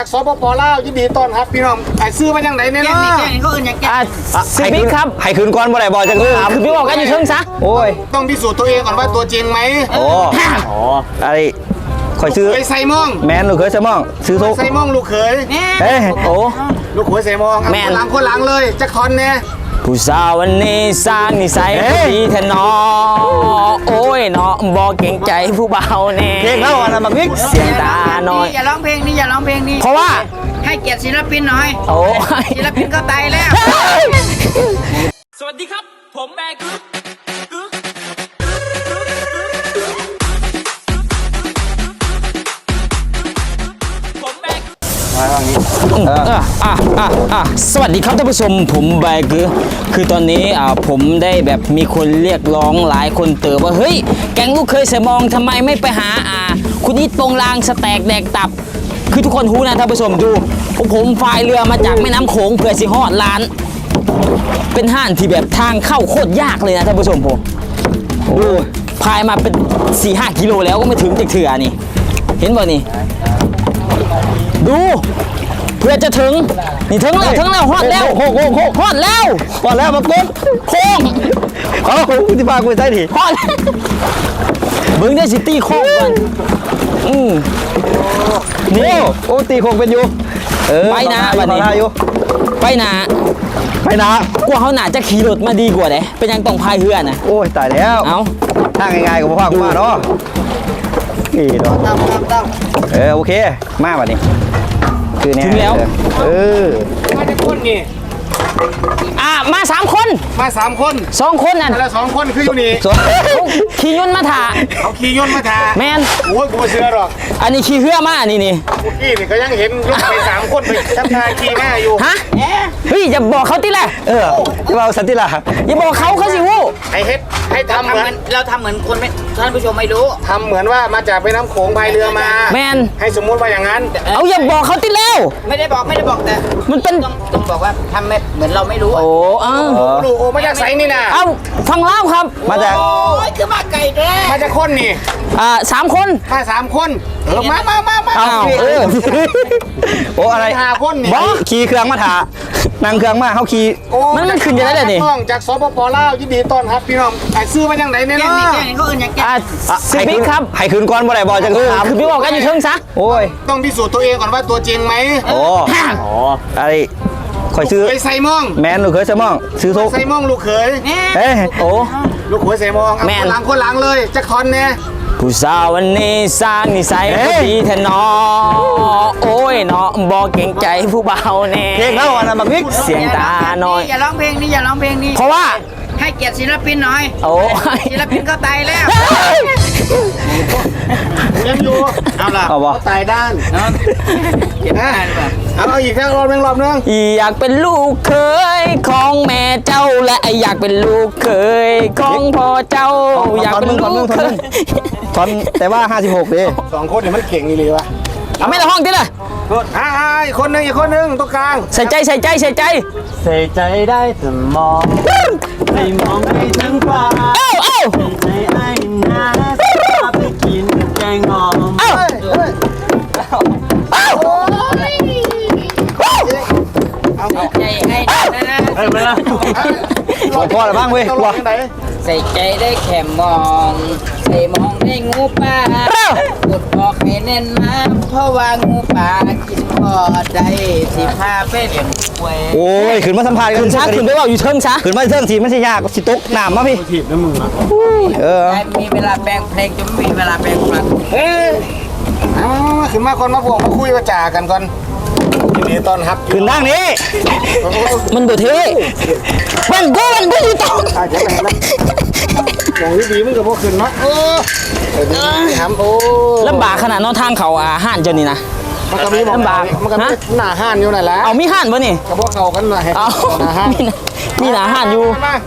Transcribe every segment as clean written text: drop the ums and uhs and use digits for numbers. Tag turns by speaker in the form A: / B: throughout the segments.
A: สปปลาวยินดีต้อนรับพี่น้องไอ้ซื้อมาอย่างไหนเนี่ยเนาะ
B: สิบิ๊กครับให้คืนก่อนบ่ได้บ่จะคือคือพี่บอกกันอยู่เชิงซะโอ้ย
A: ต้องพิสูจน์ตัวเองก่อนว่าตัวจริงไหม
B: โอ้อะไรคอยซื้อ
A: ไปใส่มอง
B: แมนลูกเคยใส่มองซื้อทุก
A: ใส่มองลูกเขย
B: เอ้โอ้
A: ลูกเขยใส่มองแมนคนหลังเลยจะคอนเนี่ย
B: ผู้สาววันนี้สร้างนิสัยดีแท้นอโอ้ยเนาะบอกเก่งใจผู้เบาแน่
A: เพลงแล้วอะไรมาพิก
B: เสียงตาหน่อย
C: อย่าร้องเพลงนี้อย่าร้องเพลงนี้
B: เพราะว่า
C: ให้เกียรติศิลปินหน่อย
B: โอ้
C: ศิลปินก็ตายแล้ว
D: สวัสดีครับผมแบกึ๊ก
B: สวัสดีครับท่านผู้ชมผมแบกึ๊กคือตอนนี้ผมได้แบบมีคนเรียกร้องหลายคนเติบว่าเฮ้ยแก๊งลูกเคยใส่มองทำไมไม่ไปหาคุณนิดโปงลางสแต็กแดกตับคือทุกคนรู้นะท่านผู้ชมดูผมพายเรือมาจากแม่น้ำโขงเพื่อสิฮอดร้านเป็นห้านที่แบบทางเข้าโคตรยากเลยนะท่านผู้ชมผมดูพายมาเป็น 4-5 กิโลแล้วก็ไม่ถึงจิกเถื่อนี่เห็นบ่นี่ดูเพื่อจะถึงนี่ถึงแล้วฮอดแล้วฮอดแล้วมากดโค้งเอาที่พากูใส่ดิฮอดมึงได้สิตีโค้งก่อนนี่โอ้ตีโค้งเป็นอยู่ไปนะบัดนี้ไปนะกลัวเขาหนาจะขี่รถมาดีกว่าเด้เป็นยังต้องพายเรือนะ
A: โอ้ยตายแล้ว
B: เอา
A: ทางง่ายๆกับพ่อกูมาเนาะนี่เนาะโอเคมาบัดนี้คือเนี่ย
B: ถึงแล้ว
A: มาจะคนนี่
B: มา3 คน2 คนนั่น
A: แล้ว2 คนคืออยู่นี่
B: ขี่ยนต์มาถ่า
A: เขาขี่ยนต์มาถ่า
B: แมน
A: โอ้ยกูไม่เชื่อหรอก
B: อันนี้ขี่เรือมานี่
A: นี่ก็ยังเห็นรถไป3 คนไปทักทายขี่มาอยู่
B: ฮะเฮ้ยอย่าบอกเขาติละ
A: อย่าบอกสันติละ
B: อย่าบอกเขาสิวู้
A: ให้ทำเหมือน
C: เราทำเหมือนคนไม่ท่านผู้ชมไม่รู้
A: ทำเหมือนว่ามาจากแม่น้ำโขงพายเรือมา
B: แมน
A: ให้สมมุติว่าอย่างนั้น
B: เอาอย่าบอกเขาติแล้ว
C: ไม่ได้บอกแต่
B: มันเป็น
C: ต้องบอกว่าทำเหมือนเราไม่รู้
B: โอ้
A: ดูมาจากไสนี่นะ
B: เอาฟังเล่าครับ
A: มาจาก
C: คือมาไก่แท้
A: มาจากคนนี่
B: 3 คน
A: มา3 คนมา
B: โอ้อะไร
A: 5 คนนี่
B: ขี่เครื่องมาถ่านั่งเครื่องมาเขาขี่มันขึ้นจะได้เลยนี่
A: จากสปปลาวยินดีต้อนรับพี่น้องไอ้ซื้อมาอย่างไหนเนี่ยเนาะ
C: เขาอื่นอย่างแก
B: สิบิ๊กครับ
A: ให้คืนก่อนบ่ได้บ่จะ
B: คือพี่บอกกันอยู่เชิงซะ
A: โอ้ยต้องพิสูจน์ตัวเองก่อนว่าตัวจริงไหม
B: โอ้อะไรคอยซื้อ
A: ไปใส่มอง
B: แมนลูกเคยใส่มองซื้อทุก
A: ใส่มองลูกเขย
B: โอ้
A: ลูกเขยใส่มองคนหลังเลยจะคอนเนี่ย
B: ผู้สาววันนี้สร้างนิสัยดีแท้นอโอ้ยเนาะบอกเก่งใจผู้เบาแน่
A: เพลงแล้วอะไรมาพิก
B: เสียงตาหน่อย
C: อย่าร้องเพลงนี้อย่าร้องเพลงนี้
B: เพราะว่า
C: ให้เกียรติศิลปินหน่อย
B: โอ้
C: ศิลปินก็ตายแล้ว
A: ยังอยู่เอาล่ะตายด้าน
C: เก็บได้หรือเปล่า
A: เอาอีกรอบนึง
B: อยากเป็นลูกเคยของแม่เจ้าและอยากเป็นลูกเคยของพ่อเจ้าอยากเป็นลูกเคย
A: ตอนแต่ว่า56ดิ2 คนเนี่ยมันเก่งเลยวะ
B: ไม่ละห้องที่ละ
A: อีกคนนึงตรงกลาง
B: ใส่ใจ
D: ใส่ใจได้แต่มองไม่มองไปถึงฟ้าใจไอ้นาไปกินแกงหอม
C: ใจไอ้นะ
D: ไม่ละ
A: พอแล้วบ้างเว้ยกลัว
C: ใส่ใจได้แค่มองใส่มองได้งูป่ากดบอกให้แน่นมาเพราะว่างูป่ากินพอได้สิพาไปเลี้ยงกล้วย
A: โอ้ยขึ้นมาสัมภาษณ์กัน
B: ขึ้นไปว่าอยู่เชิงซะ
A: ขึ้นมาเชิงทีไม่ใช่ยากสิตกน้ำมาพี่
D: ถีบน้ำมือ
C: มีเวลาแปลงเพลงจะไม่มีเวลาแปลงฟัน
A: ขึ้นมาคนมาบอกมาคุยมาจ่ากันก่อนยินดีต้อนรับ
B: ขึ้นด้านนี้มันบุเท่มันอยู่ตรง
A: อย่างดีมึงกับพวกขึ้นมั้ยทำโอ้
B: ลำบากขนาดนอนทางเขาห้านเจ้านี่นะ
A: มันก็มีลำบากมันก็มีหน้าห้านอยู่นั่นแหละ
B: เอามีห้านป่ะนี่
A: กับพวกเขากันหน่อย
B: เอามีหน้าห้านอยู่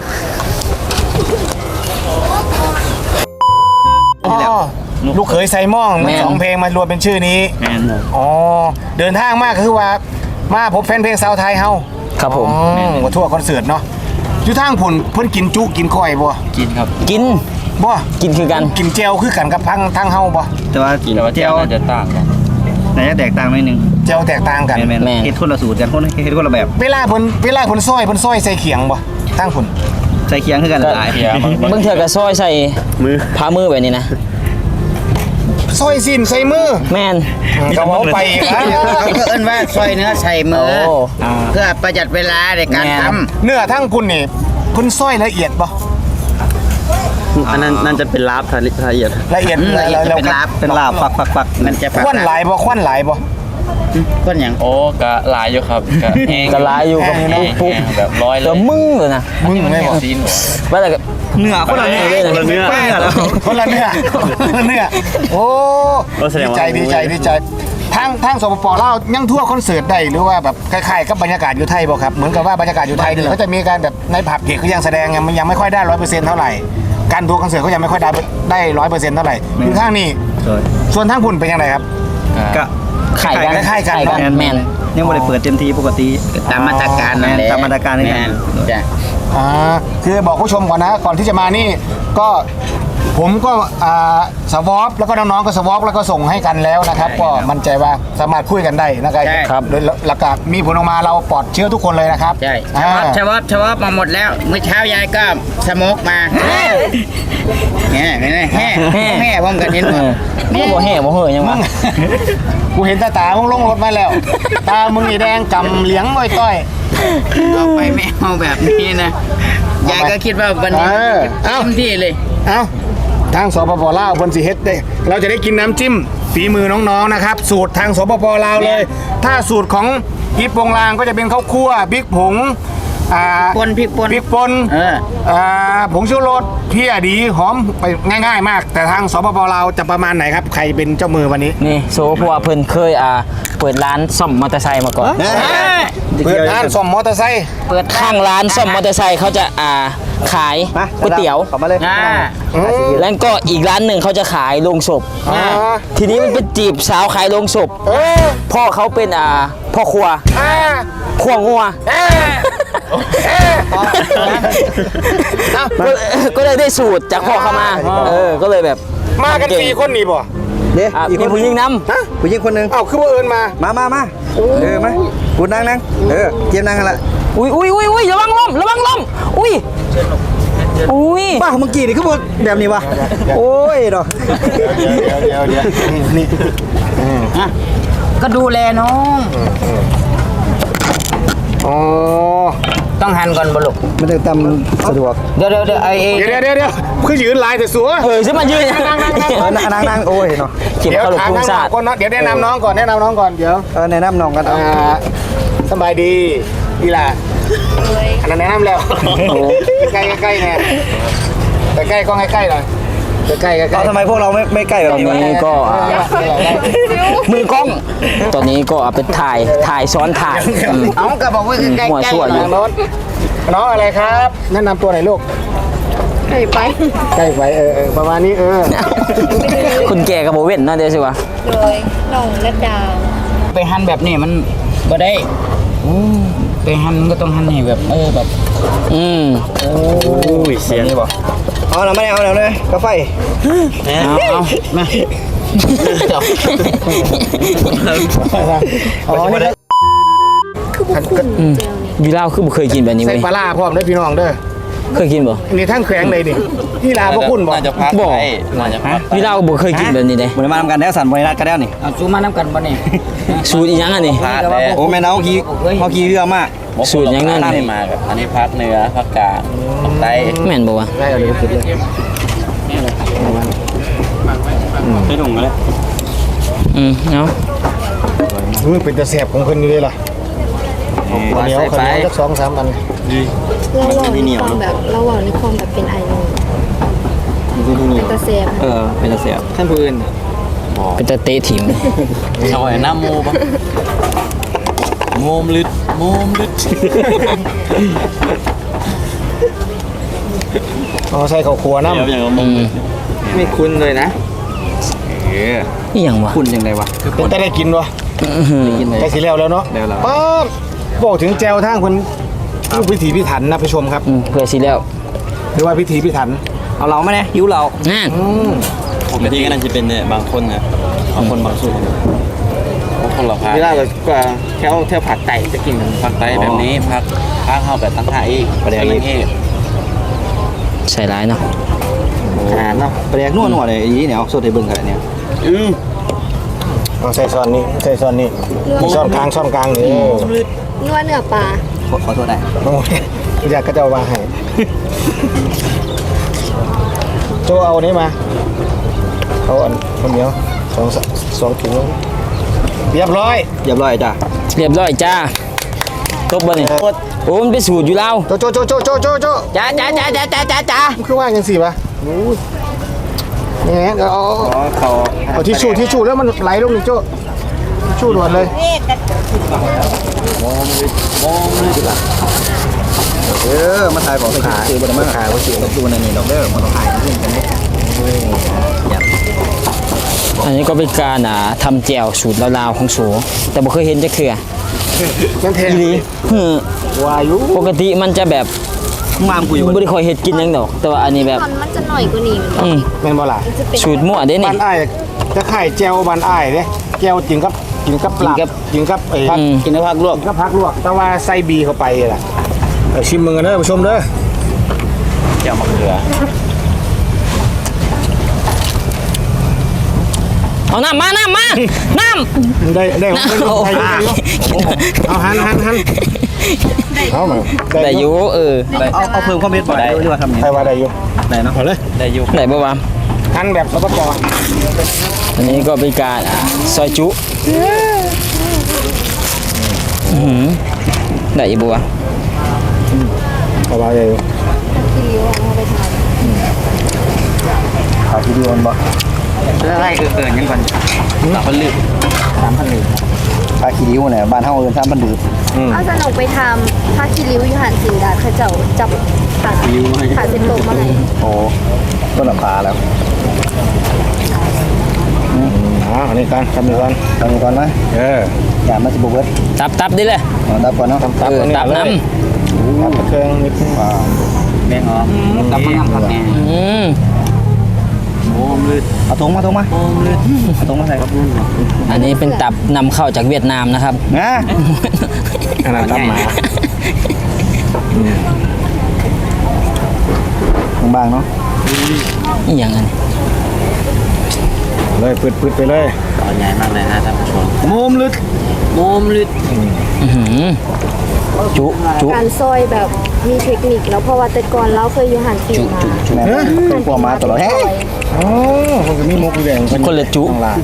A: ลูกเขยใส่ม่อง2 เพลงมารวมเป็นชื่อนี้เดินทางมากคือว่ามาพบแฟนเพลงสาวไทยเฮา
B: ครับผม
A: มาทั่วคอนเสิร์ตเนาะอยู่ทางผุ่นเพิ่นกินจุกินก้อยบ่
D: กินครับ
B: กิน
A: บ่
B: กินคือกัน
A: กินเจลคือกันกับทางเฮาบ่
D: แต่ว่ากินเจลจะต่างกันไหนจะแตกต่างหน่อยนึง
A: เจียวแตกต่างกัน
D: แม่นเฮ็ดคนละสูตรกันคนเฮ็ดคนละแบบ
A: เวลาเพิ่นซอยใส่เขียงบ่ทั้งพุ่น
D: ใส่เคียงคือกันหลาย
B: บางเทื่อก็ซอยใส่พามือแบบนี้นะ
A: ซอยสิ้นใส่มือ
B: แม่น
A: ก็เว้าไปครับ
C: ก็เอิ้นว่าซอยเนื้อใส่มือ
B: โอ้
C: เพื่อประหยัดเวลาในการทำ
A: เนื้อทั้งพุ่นนี่เพิ่นซอยละเอียดบ่
D: อันนั้นนั่นจะเป็นลาบละเอียด
A: ละเอียด
C: จะเป็นลาบ
D: เป็นลาบปัก
C: มันจะ
A: ควันหลายบ่ควันหลายบ่
C: ก้นอย่าง
E: โอ้กะหลายอยู่ครับกะแห้ง
B: ก็หลายอยู่กับ
E: แห้ง
B: ปุ๊บ
E: แบบร้อยเล
B: ก็
E: ย
B: มึงเลยนะ
A: มึงไม่บอก
E: ซีนหัว
B: ว่าแต่ก็
D: เนื้อคนละเนื้อคนละเนื้อแล้ว
A: คนละเนื้อโอ้
D: แสด
A: ดี
D: งว่า
A: ใจทางสปปลาวยังทั่วคอนเสิร์ตได้หรือว่าแบบคล้ายๆกับบรรยากาศอยู่ไทยบ่ครับเหมือนกับว่าบรรยากาศอยู่ไทยเนี่ยเขาจะมีการแบบในผับเด็กเขายังแสดงยังไม่ค่อยได้ 100% เท่าไหร่การทัวร์คอนเสิร์ตเขายังไม่ค่อยได้ 100% เท่าไหร่อยู่ข้างนี้ส่วนทางพุ่นเป็นยังไงครับ
D: ก็
B: ไข่กัน
A: คล้ายๆกันเนอะ
B: แม่น
D: ยังไม่ได้เปิดเต็มที่ปกติ
C: ตามมาตรการนั่นแหละ
D: ตามมาตรการนี่
C: แม่นจ้ะ
A: คือบอกผู้ชมก่อนนะก่อนที่จะมานี่ก็ผมก็สวอปแล้วก็น้องๆก็สวอปแล้วก็ส่งให้กันแล้วนะครับก็มั่นใจว่าสามารถคุยกันได้นะครับโดยหลักการมีผลออกมาเราปลอดเชื้อทุกคนเลยนะครับ
C: ใช่
A: อ่า
C: ชะวอบมาหมดแล้วเมื่อเช้ายายก็สโมกมาแห่แห่ผมกันเห็นหมด
B: นี่บ่แห่บ่เห่อยังวะ
A: กูเห็นตามึงลงรถมาแล้ว ตามึงนี่แดงกำเหลียงอ้อยต้อย
C: เอาไปไม่เอาแบบนี้นะยายก็คิดว่าวันนี้เต็มที่เลย
A: เอ้าทางสปปลาวเพิ่นสิเฮ็ดได้เราจะได้กินน้ำจิ้มฝีมือน้องๆนะครับสูตรทางสปปลาวเลย ถ้าสูตรของอีปงลางก็จะเป็นข้าวคั่วพริกผง
C: พริกป่น
A: ผงชูรสเพี้ยดีหอมไปง่ายๆมาก แต่ทางสปปลาวจะประมาณไหนครับใครเป็นเจ้ามือวันนี้
B: นี่โซเพราะว่าเพิ่นเคยเปิดร้านซ่อมมอเตอร์ไซค์มาก่อน
A: เปิดร้านซ่อมมอเตอร์ไซค์
B: ข้างร้านซ่อมมอเตอร์ไซค์เขาจะขายก๋วยเตี๋ยว
D: เข้ามาเลย
B: แล้วก็อีกร้านหนึ่งเขาจะขายโลงศพทีนี้มันเป็นจีบสาวขายโลงศพพ่อเขาเป็นพ่อครัวขัวงัวก็เลยได้สูตรจากพ่อเขามาก็เลยแบบ
A: มากัน4 คนนี่บ่
D: เดี๋ยวอีก
B: มี
D: คน
B: ผู้หญิงน
D: ผู้หญิงคนหนึ่ง
A: เอ้าคือว่าเอิญมา
D: มามากูนั่งเตรียมนั่งกันละ
B: ำอุ้ยระวังล้มอุ้ย
D: บ้าเมื่อกี้นี่คือแบบนี้วะโอ้ยเนาะ
A: เดี๋ยวนี่
C: ก็ดูแลน้อง
A: อ๋อ
C: ต้องหันก่อนบลุก
D: มันจะทำสะดวก
C: เดี๋ยวไอ้
A: เดี๋ยวคือยืนลายแต่สัว
B: ใช่มายืน
D: นั่งโอ้ยเนาะ
B: เก็บ
A: เดี๋ยว
B: ขลุก
A: ถาม
B: พุง
A: น้อง
B: ศาสตร์
A: ก่อนเนาะเดี๋ยวแนะนำน้องก่อนเดี๋ยว
D: แนะนำน้องกัน
A: สบายดีดีล่ะอันนั้นแนะนำแล้วใกล้เนี่ยใกล้กล้องใกล้หน่อยใกล้
D: ทำไมพวกเราไม่ใกล้แบ
B: ต
D: บ
B: อน
D: นี้วะ
B: นี้ก็มือกล้อง ตอนนี้ก็เอาไปถ่ายซ้อนถ่าย
C: เอาก็บอกว่าใกล้
B: หัวชั่วอยู่
A: น้องอะไรครับแนะนำตัวหน่อยลูกใกล้ไปประมาณนี้
B: คุณแก่กับโบเว่นเนาะเดี๋ยวสิวะ
F: โดยน้องระดา
C: ไปหันแบบนี้มันบ่ได้ไปหันมันก็ต้องหันให้แบบแบบ
B: โ
D: อ้ยเสียงนี่บ่เอาหน่อยไม่เอาหน่อยเลยกาแฟ
C: เอามา
A: อ๋อนี่
F: คือบุคุณเจลนี่
B: ยูเล่าคือบ่เคยกินแบบนี้
A: ใส่
B: เว้ย
A: ปลาร้าพร้อมด้วยพี่น้องเด้อ
B: เคยกินบ่
A: นี่ทั้งแขวงเลยนี่นี่ลาพวกคุณบอก
E: น่าจะพัก
B: บอก
E: ได้น่าจะพัก
B: ยูเล่าบ่เคยกินแบบนี้เด้
D: บริมาทำกันแล้วสั่นบริรัดกันแล้วนี่
C: เอาซูมาน้ำกันบ่นี่
B: สูตรอีหยังอันนี้
E: พักแล้ว
D: โอ้แม่น้าเขาขี้เรือมาก
B: สูตรยังไง
E: อันนี้มากับอันนี้พักเนื้อพักกลางพักไต
B: แม่นบ่วะ
A: ได้เอาเลยก็คิดเลย
D: ไม่ถุงกันเลย
B: เนาะ
A: มือเป็นตะแสบของคนนี้เลยล่ะเหนียวขนาดสัก2-3 อัน
F: เราหวังในความแบบเราหวังในความแบบเป็นไอโนเป็นตาเซียม
D: เป็นเสีย
E: ท่านผู้อื่น
B: เป็นตะเตะถิ่ม
E: เอาไอ้น้ำโมปะโมมลึด
A: อ๋อใส่ข้าวคั่วน้ำ
E: เดี๋ยวอย่างโมม
C: ไม่คุ้นเลยนะ
B: อีหยังวะ
D: คุณยังไงวะ
A: เป็นแต่ได้กินวะ
D: กินเลย
A: ได้สิแล้วเนาะ
D: แล้ว
A: ป๊าบบอกถึงแจวทางคนลูกพิถีพิถันนะผู้ชมครับ
B: เพื่อสิแล้ว
A: หรือว่าพิถีพิถัน
D: เอาเราไหมเนี่ยหิวเรา
B: นั่น
E: ปกติก็น่าจะเป็นเนี่ยบางคนนะบางคนบางสูตรคนละภาค
C: เวลาเราก็แถวผักไต่จะกินกัน
E: ภาคใต้แบบนี้ภาคเข้าแบบตั้งหาอีกประเดี๋ยวนี้
B: ใส่ร้ายเนาะ
C: ขนาดเนาะ
D: แปลกนัวเลยอีเนี่ยเอาโซดให้เบิ่งกันเนี่ย
A: เอาใส่ซ้อนนี่ใส่ซ้อนนี่ซ้อนกลางนี่
F: นวดเนื้อปลา
D: ขอโทษได้
A: โอ้ยอยากก็จะเอามาให้โจเอาอันนี้มาเอาอันคนเดียวสองถุงเรียบร้อย
D: เรียบร้อยจ้ะ
B: เรียบร้อยจ้าตบบ่นี่โอ้มันเป็นสูตรอยู่แล้ว
A: โจ
C: จ้า
A: มันคือว่าอย่างสี่ปะนี่ไงเอาทิชชู่แล้วมันไหลลงนี่โจทิชชู่ด่วนเลย
D: มาถ่ายของขายซื้อบนมาขายว่าซื้อกับดูนั่นนี่ดอกเด้อมาต้องขายนี่กันเด้
B: อันนี้ก็เป็นการทำแจ่วสูตรลาวๆของโสแต่บ่เคยเห็นจักเทื่อ
A: มันแทง
B: อีหลี
A: วายุ
B: ปกติมันจะแบบ
D: งามกูอยู่
B: บ่ได้ค่อยเฮ็ดกินหยังดอก แต่ว่าอันนี้แบบ
F: ตอนมันจะหน่อยกว่านี้
B: อืม
A: แม่นบ่ล่ะ
F: มันจะเป็น
B: สูตรมั่วเด้นี่
A: บ้านอ้ายจะไข่แจวบ้านอ้ายเด้แจวกินกับปลากินกับไอ้
B: อืม
C: กินในผักลวก
A: ก็พักลวกแต่ว่าใส่บีเข้าไปล่ะเอาชิมมึงกันเด้อผู้ชมเด้อ
E: เจ้ามะเขือ
B: เอาน้ำมาน้ำ
A: ได้
B: โอ้
A: เอาหันเอามา
B: ได้อยู่เออ
D: เอาเพิ่มความเผ็ดบ่ได้หรือว่าทำเนี่ย
A: ใครว่าได้อยู่
D: ได้เนาะ
A: เอาเลย
E: ได้ยุ
B: ได้บ่วะ
A: หันแบบสปป
B: อันนี้ก็เป็นการซอยจุอื้อหือได้อยู่บ่วะ
A: เอาว่าได้อยู่
F: ที่เลี้ยวเอาไปทาน
D: ขายทีเดียวบ่
C: แล้วไล่เกินยังก่อน
E: 3,000ลึก
D: ขายขี้ริ้วเนี่ยบ้านเฮาเอิ้น3,000ดื่ม
F: เอาสนุกไปทำผ้าคีริ้วอยู่หันสิงดาเขาเจ้าจับขาเส้นโตมาให้
D: โอ้ต้นลำพาแล้ว
A: อันนี้กันทำนี่ก่อน
D: ทำก่อนไหม อย่ามาสิบ่เบิด
B: ตับดิเลย
D: ดับก่อนเนาะ
A: ตับ
B: เออตับน้
A: ตับเครื่องนิดนึง
C: แบ่งออกกับมะนาวผักแน่
B: ำอืม
E: โอ้มลึด
D: เอาถุงมาเอาถุงมาใส่ครับ
B: อันนี้เป็นตับนำเข้าจากเวียดนามนะครับ
D: นะ
A: อันนั้นตับหมา
D: บางๆเนาะ
B: อีหยังอันนี้
A: เลยปืดไปเลย
E: ตอนใหญ่มากเลยฮะท่านผู้ชม
C: โมมลึด
B: อื้อหือจุ
F: การซอยแบบมีเทคนิคแล้วเพราะว่าแต่ก่อนเราเคยอยู่หันสิงมา
D: แม่เป็นพวกมาตลอดแฮะ
A: อ๋อมันก็มีมุกอยู่แดง
B: คนละจุ
A: ข้างล่าง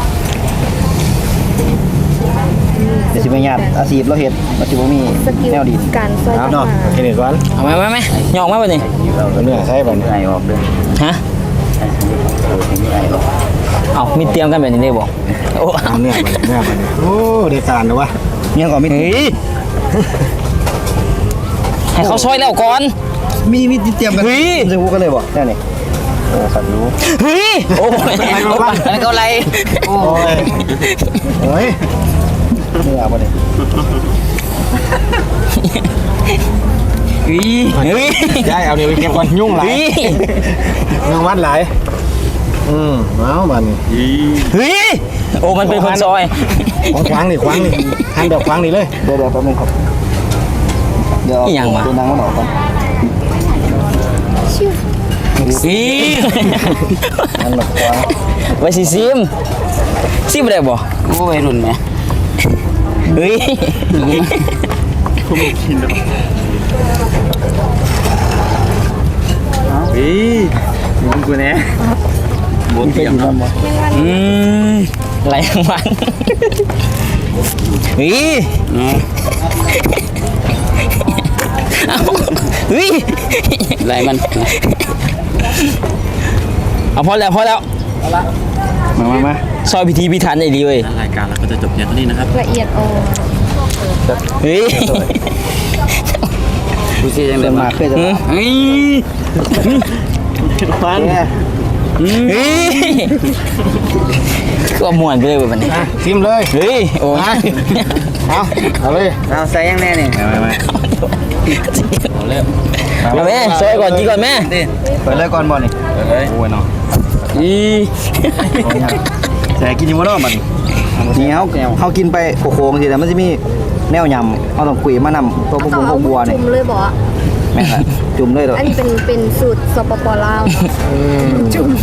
D: เดี๋ยวสิไปญาติอาชีพเราเฮ็ดมันสิบ่มี
F: สกิล
D: แนวดิน
F: การซอย
A: เอา
F: ต้น
A: เนาะ
F: ไม้
A: กินอีกก่อน
B: เอาไหมยอกมาป่ะนี่
A: เอาเนื้อใส่ไป
D: ไอ้ออกเด้อ
B: ฮะเอามีเตรียมกันแบบนี้ได้บ่โอ้
A: เอาเนื้อไปโอ้ได้การนะวะ
D: เนี่ยก็มี
B: เฮ้ยให้เขาซอยแล้วก่อน
D: มีเตรียมกัน
B: เฮ้ย
D: จะพูดกันเลยบ่แน่นี่โอ้สัตว์รู้
B: เฮ้ยโอ้ย
C: แล้วก็อะไร
A: โอ้ยเฮ้ย
D: เนื้อบ่นี่
B: เฮ้ย
A: ยายเอาเนี่ยไปเก็บก่อนยุ่งหลาย
B: เฮ้ย
A: ยุ่งวัดหลายเอาบัน
B: เฮ้ยโอ้มันเป็นคนซอย
A: ขวางนี่หันแบบขวางนี่เลย
D: เดี๋ยวแป๊บนึงครับเดี๋ยว
B: อีหยังวะ
D: ตัวนางมันออกก่อน
B: เฮ้ย
D: นั่นแบบว่า
B: ไว้สิซิมได้บ่
C: โอ้ยรุ่นไหม
B: เฮ้ย
E: มึงกูเนี่ยบวกเทียมเนาะ
B: อืมไหลทั้งวันเฮ้ยเอาเฮ้ย
C: ไรมัน
B: เอาพอแล้ว
D: มา
B: ซอยพิธีพิถันไอ้ดีเว้ย
E: รายการเราก็จะจบเพียงเท่านี้นะครับ
F: ละเอียดอ่อน
B: เฮ้ย
C: ดูสิยัง
D: เดิ
C: เดิ
D: น
C: น
D: มา
C: มา
D: เคยจะมา
B: เฮ้ย
D: ฟัน
B: เฮ้ยก็ม่วนไปเลยเว้ยวันนี้
A: ชิมเลย
B: เฮ้ยโอ้ย
A: เอาเลย
C: เอาใส่ยังแน่นี่
B: เอาแม่ซอยก่อนกินก่อนแม่
D: เปิดเลยก่อนบ่นี่
E: เลย
D: โอ้ยเนาะ
B: อี
D: แต่กินอยู่บ่เนาะมัน
B: ฮ
G: นี่เขากินไปโค้งๆทีแต่มันจะมีแนวยำเขาต้องคุยมานำตัวพวก
F: เอา
G: บัวนี่
F: จุ่มเลยบอก
G: แม่นจุ่มเลยเหรอ
F: อันนี้เป็นสูตรสปปลาวจุ่ม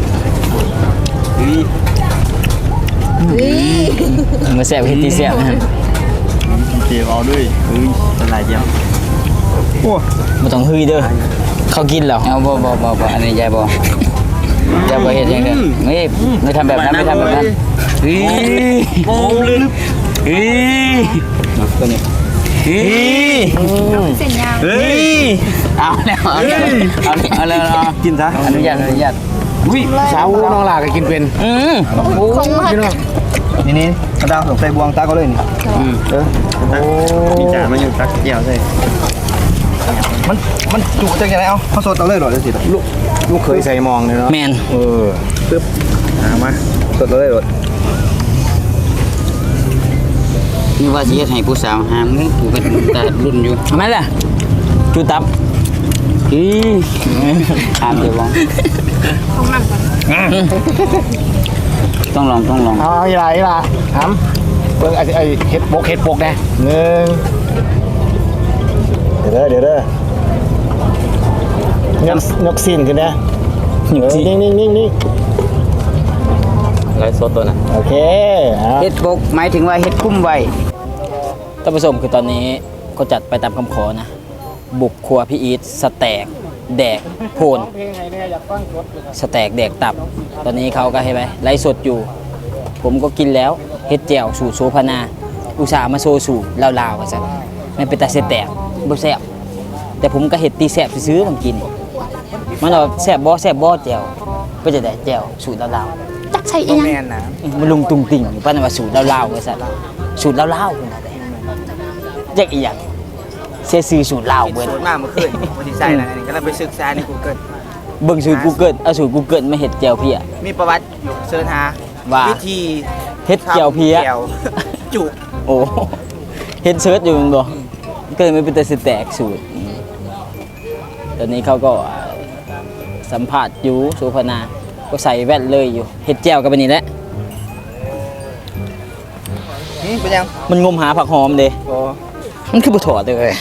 F: นี่
B: มาแซ่บเฮ็ดที่แซ่บนะ
D: เกี่ยวเอาด้วยเป็นไรเดียว
B: บ่ต้องฮือเด้อเขากินแล้ว
C: เอาบ่อันนี้ยายบ่ยายบ่เฮ็ดอย่างเดียวไม่ทำแบบนั้นไม่ทำแบบนั้น
D: โอ้ลึก
B: ตัวนี้
F: เส้นยาว
D: เฮ้ย
C: เอาแล้ว
G: กินซะ
C: อนุญาต
A: อุ้ยสาวน้องลาก็กินเป็น
F: ของมัน
A: พี่น้อง
G: นี่กระดาษใส่บวงตาก็เลยนี่
D: มีจานมาอยู่ตักเกี่ยวใช่
G: มันจุจังไงเอาเขาสดเอาเลยเหรอเดี๋ยวสิ
A: ลูกเคยใส่มองเลยเนาะ
B: แมน
G: ปึ๊บมาสดเอาเลยเหรอ
C: นี่ว่าสิเฮ็ดให้ผู้สาวหามงกูก็ตารุ่นอยู่
B: แม่นล่ะจูตับ
C: หามเดี๋ยวบ่
F: ของมันก่อน
C: ต้องลอง
A: เอาอีหล่ะถามเบิ่งไอ้เฮ็ดปกนะหนึ่งเดี๋ยวเด้อยกสิ้นขึ้นนะนิ่ง
E: ไลฟ์สดตัวน่ะ
A: โอเค
C: เฮ็ดปกหมายถึงว่าเฮ็ดคุ้มไว้
B: ท่านผู้ชมคือตอนนี้ก็จัดไปตามคำขอนะ บุกครัวพี่อีทสแต็กแดกโพนสแต็กแดกตับ ตอนนี้เขาก็ให้ไปไลฟ์สดอยู่ ผมก็กินแล้วเฮ็ดแจ่วสูตรโซพนา อุตส่าห์มาโซสูตรลาวๆว่าซั่นไม่เป็นตาเสแตกบ่แซ่บแต่ผมก็เฮ็ดตีแซ่บซื้อๆมันกิน มันว่าแซ่บบ่แจ่วก็จะได้แจ่วสูตรลาวๆ
F: จักใส่อีหยัง
B: มันลุงตุงติ่งอยู่ป้านว่าสูตรลาวๆว่าซั่นสูตรลาวๆพุ่นน่ะเด้แยกอีหยังเสียชื่อสูตรลาวเบิด
C: มากเมื่อคืนวันที่ใส่นะนี่ก็เลยไปศึกษาใน Google
B: เบิ่งสูตร Google เอาสูตร Google มาเฮ็ดแจ่วเพีย
C: มีประวัติเสิร์ชหา
B: ว่า
C: วิธี
B: เฮ็ดแจ่วเพีย
C: แจ่วจุ
B: โอ้เฮ็ดเซิร์ชอยู่แม่นบ่ก็เลยไม่เป็นแต่สิแตกสูตรตอนนี้เขาก็สัมภาษณ์อยู่โซพนาก็ใส่แว่นเลยอยู่เฮ็ดแจ่วกันไปนี่แหละ
C: เป็นยัง
B: มันงมหาผักหอมเด้มันคือบ่ถอดเลย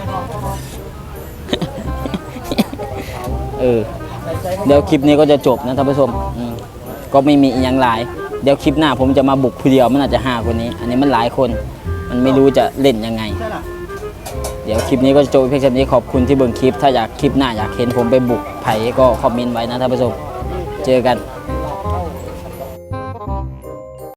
B: เดี๋ยวคลิปนี้ก็จะจบนะท่านผู้ชมก็ไม่มีอีกอย่างหลาย เดี๋ยวคลิปหน้าผมจะมาบุกผู้เดียวมันอาจจะ5คนนี้ อันนี้มันหลายคน มันไม่รู้จะเล่นยังไง เดี๋ยวคลิปนี้ก็จะจบเพียงแค่นี้ขอบคุณที่เบิ่งคลิป ถ้าอยากคลิปหน้าอยากเห็นผมไปบุกไผ่ก็คอมเมนต์ไว้นะท่านผู้ชม เจอกัน